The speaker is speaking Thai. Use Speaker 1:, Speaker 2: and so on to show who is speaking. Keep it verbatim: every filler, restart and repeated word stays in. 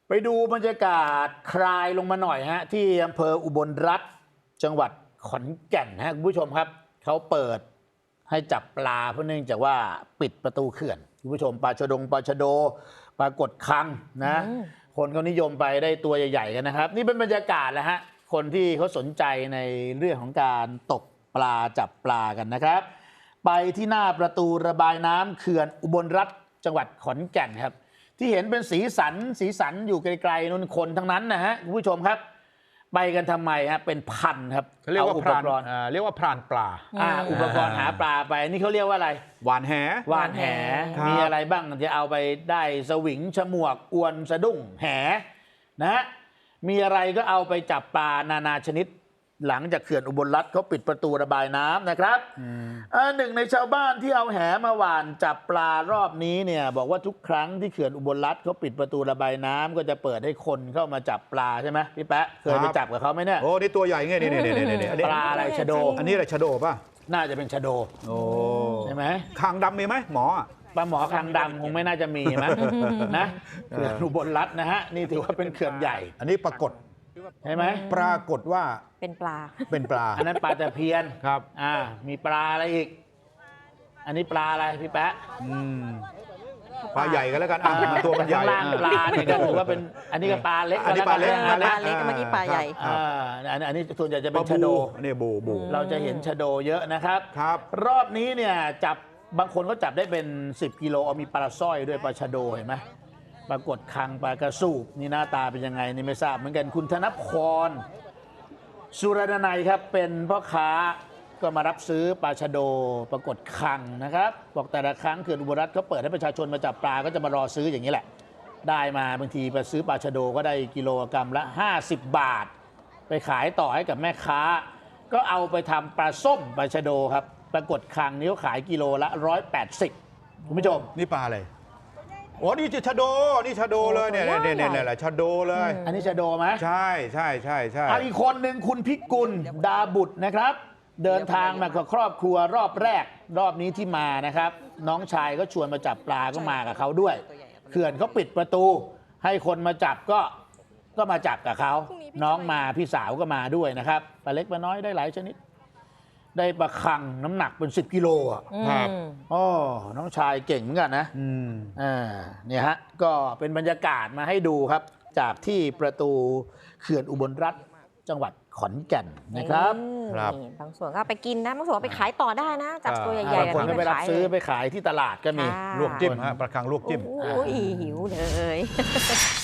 Speaker 1: ไปดูบรรยากาศคลายลงมาหน่อยฮะที่อำเภออุบลรัตน์จังหวัดขอนแก่นฮะคุณผู้ชมครับเขาเปิดให้จับปลาเพราะเนื่องจากว่าปิดประตูเขื่อนคุณผู้ชมปลาชะดงปลาชะโดปลากดคังนะคนเขานิยมไปได้ตัวใหญ่ๆกันนะครับนี่เป็นบรรยากาศแหละฮะคนที่เขาสนใจในเรื่องของการตกปลาจับปลากันนะครับไปที่หน้าประตูระบายน้ำเขื่อนอุบลรัตน์จังหวัดขอนแก่นครับที่เห็นเป็นสีสันสีสันอยู่ไกลๆนู่นคนทั้งนั้นนะฮะคุณผู้ชมครับไปกันทำไมฮะเป็นพันครับ
Speaker 2: เขาเรียกว่าพรานเรียกว่าพรานปลา
Speaker 1: อ่าอุปกรณ์หาปลาไปนี่เขาเรียกว่าอะไร
Speaker 2: หวานแห
Speaker 1: หวานแหมีอะไรบ้างจะเอาไปได้สวิงฉมวกอวนสะดุ้งแหนะฮะมีอะไรก็เอาไปจับปลานานาชนิดหลังจากเขื่อนอุบลรัตน์เขาปิดประตูระบายน้ำนะครับหนึ่งในชาวบ้านที่เอาแหมาหว่านจับปลารอบนี้เนี่ยบอกว่าทุกครั้งที่เขื่อนอุบลรัตน์เขาปิดประตูระบายน้ำก็จะเปิดให้คนเข้ามาจับปลาใช่ไหมพี่แป๊ะเคยไปจับกับเขาไหมเนี่ย
Speaker 2: โอ้นี่ตัวใหญ่เงี้ยนี่นี่นี่นี่
Speaker 1: ปลาอะไรชะโด
Speaker 2: อันนี้อะไรชะโดป่ะ
Speaker 1: น่าจะเป็นชะโด
Speaker 2: โอ้
Speaker 1: ใช่ไหม
Speaker 2: คางดำมีไหมหมอ
Speaker 1: ปลาหมอคางดำคงไม่น่าจะมีมั้ยนะเขื่อนอุบลรัตน์นะฮะนี่ถือว่าเป็นเขื่อนใหญ่
Speaker 2: อันนี้ปรากฏ
Speaker 1: ใช่ไหม
Speaker 2: ปรากฏว่า
Speaker 3: เป็นปลา
Speaker 2: เป็นปลา
Speaker 1: อันนั้นปลาตะเพียน
Speaker 2: ครับ
Speaker 1: อ่ามีปลาอะไรอีกอันนี้ปลาอะไรพี่แป๊ะ
Speaker 2: ปลาใหญ่กันแล้วกันอ่าตัวมันใหญ่
Speaker 1: ล่างปลาเนี่ยก็ถือว่าเป็นอันนี้ก็ปลาเล็ก
Speaker 2: อันนี้ปลาเล็ก
Speaker 3: ปลาเล็กเมื่อกี้ปลาใหญ่
Speaker 1: อ่าอันนี้ส่วนใหญ่จะเป็นชะโด
Speaker 2: นี่บูบู
Speaker 1: เราจะเห็นชะโดเยอะนะครับ
Speaker 2: ครับ
Speaker 1: รอบนี้เนี่ยจับบางคนก็จับได้เป็นสิบกิโลเอามีปลาสร้อยด้วยปลาชะโดเห็นไหมปรากฏคังปลากระสูบนี่หน้าตาเป็นยังไงนี่ไม่ทราบเหมือนกันคุณธนพรสุรนัยครับเป็นพ่อค้าก็มารับซื้อปลาชะโดปรากฏคังนะครับบอกแต่ละครั้งเขื่อนอุบลรัตน์เขาเปิดให้ประชาชนมาจับปลาก็จะมารอซื้ออย่างนี้แหละได้มาบางทีไปซื้อปลาชะโดก็ได้กิโลกรัมละห้าสิบบาทไปขายต่อให้กับแม่ค้าก็เอาไปทำปลาส้มปลาชะโดครับปรากฏคังนี้เขาขายกิโลละร้อยแปดสิบคุณผู้ชม
Speaker 2: นี่ปลาอะไรโอ้นี่ชะโดนี่ชะโดเลยเนี่ยเนี่ยเนี่ยเนี่ยแหละชะโดเลย
Speaker 1: อันนี้ชะโดไหม
Speaker 2: ใช่ใช่ใช่ใช่
Speaker 1: อีกคนหนึ่งคุณพิกุลดาบุตรนะครับเดินทางมากับครอบครัวรอบแรกรอบนี้ที่มานะครับน้องชายก็ชวนมาจับปลาก็มากับเขาด้วยเขื่อนเขาปิดประตูให้คนมาจับก็ก็มาจับกับเขาน้องมาพี่สาวก็มาด้วยนะครับปลาเล็กปลาน้อยได้หลายชนิดได้ปลาคังน้ำหนักเป็นสิบกิโลอ่ะ
Speaker 2: ครับ
Speaker 1: อ๋อน้องชายเก่งเหมือนกันนะ
Speaker 2: อืม
Speaker 1: อ่าเนี่ยฮะก็เป็นบรรยากาศมาให้ดูครับจากที่ประตูเขื่อนอุบลรัตน์จังหวัดขอนแก่นนะครับ
Speaker 2: ครับ
Speaker 3: บางส่วนก็ไปกินนะบางส่วนไปขายต่อได้นะจับตัวใหญ่ๆ
Speaker 1: บางคนก็ไปรับซื้อไปขายที่ตลาดก็มี
Speaker 2: ลวกจิ้มฮะปลาคังลวกจิ้ม
Speaker 3: โอ้ยหิวเลย